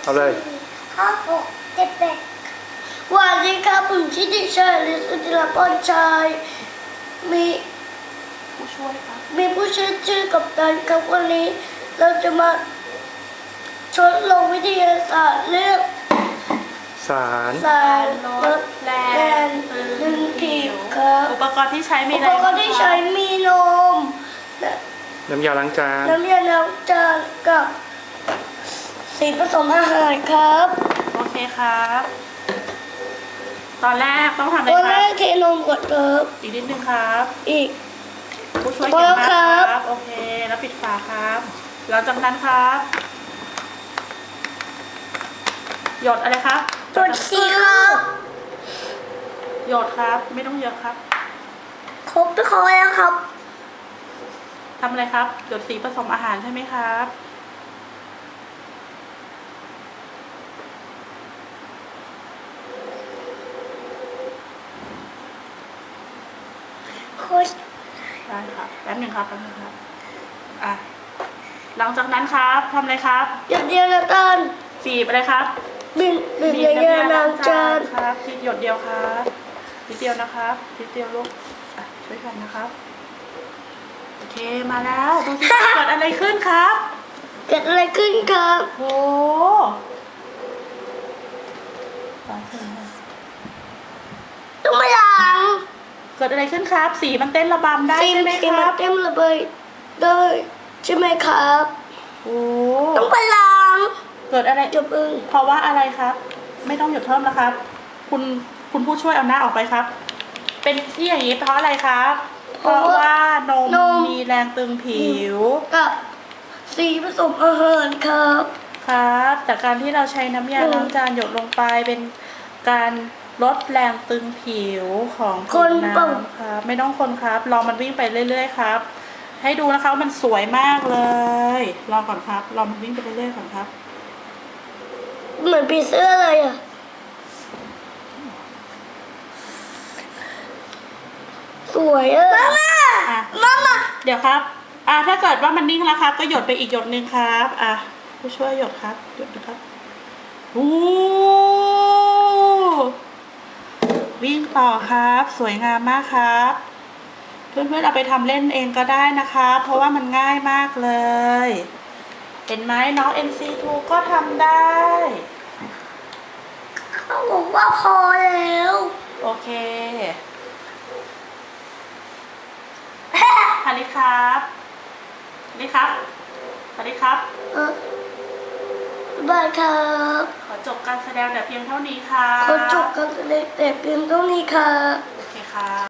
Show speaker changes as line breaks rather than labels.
เอาเลย
5 6 7 8สวัสดีครับผมชื่อเด็กชายฤทธิ์ศิลปนชัยมี
ผู้ช่วยครับ
มีผู้ช่วยชื่อกัปตันครับวันนี้เราจะมาทดลองวิทยาศาสตร์เรื่อง
สาร
สารลด
แร
แรง
ง
ดึงผิวครับ
อุปกรณ์ที่ใช้มี
อุ
อะไร
ปกรณ์ที่ใช้มีนม
น้ำยาล้างจาน
น้ำยาล้างจานกับสีผสมอาหารครับ
โอเคครับ ตอนแรกต้องทำอะไร
ตอน
ค
แร
รับ
กเทนมก่อนครับ
อีกนิดนึงครับ
อีก
ผู้ช่วย
พอ
เก่ง
แล้ว
มาก
ค
ค
รั
รับ บโอเคแล้วปิดฝาครับหลังจากนั้นครับหยดอะไรครับ
ตัวสีครับ
หยดครับ ไม่ต้องเยอะครับ
ครบทุกคนแล้วครับ
ทำอะไรครับหยดสีผสมอาหารใช่ไหมครับ
โคตร
ได้ครับแป๊บหนึ่งครับอ่ะหลังจากนั้นครับทำอะไรครับ
หยดเดียวแล้วกัน
บีบอะไรครับ
บินบิน
บี
เย
บ
อะๆล้างจาน
ครับทีหยดเดียวครับนิดเดียวนะครับนิดเดียวลูกอ่ะช่วยกันนะครับโอเคมาแล้วดูสิ เกิดอะไรขึ้นครับ
เกิดอะไรขึ้นครับ
โอ้โห
ต้องมาล้าง
เกิดอะไรขึ้นครับ สีมันเต้นระบำได้
สี
ใช่ไหม
สี
ค
มั
รั
น
บ
เต็มระเบิดได้ใช่ไหมครับ
โอ้
ต้องมาล้าง
เกิดอะไร
จบเอง
เพราะว่าอะไรครับ ไม่ต้องหยดเพิ่มแล้วครับ คุณผู้ช่วยเอาหน้าออกไปครับ เป็นที่อย่างนี้เพราะอะไรครับ เพราะว่านมมีแรงตึงผิว
กับสีผสมอาหารครับ
ครับจากการที่เราใช้น้ำยาล้างจานหยดลงไปเป็นการลดแรงตึงผิวของผิวน้ำครับไม่ต้องคนครับรอมันวิ่งไปเรื่อยๆครับ ให้ดูนะคะว่ามันสวยมากเลยรอก่อนครับรอมันวิ่งไปเรื่อยๆก่อนครับ
เหมือนผีเสื้อเลยอ่ะสวยอ่ะมามา
เดี๋ยวครับถ้าเกิดว่ามันนิ่งแล้วครับ ก็หยดไปอีกหยดหนึ่งครับผู้ช่วยหยดครับหยดนะครับโอ้วิ่งต่อครับ สวยงามมากครับ เพื่อนๆเอาไปทำเล่นเองก็ได้นะคะเพราะว่ามันง่ายมากเลย เห็นไหมน้อง NC2 ก็ทำได้
เขาบอกว่าพอแล้ว
โอเคฮันนี่ครับนี่ครับสวัสดีครับ
บายครับ
ขอจบการแสดงแต่เพียงเท่านี้ค่ะ
ขอจบกันแต่เพียงเท่านี้ค่ะ
โอเคค่ะ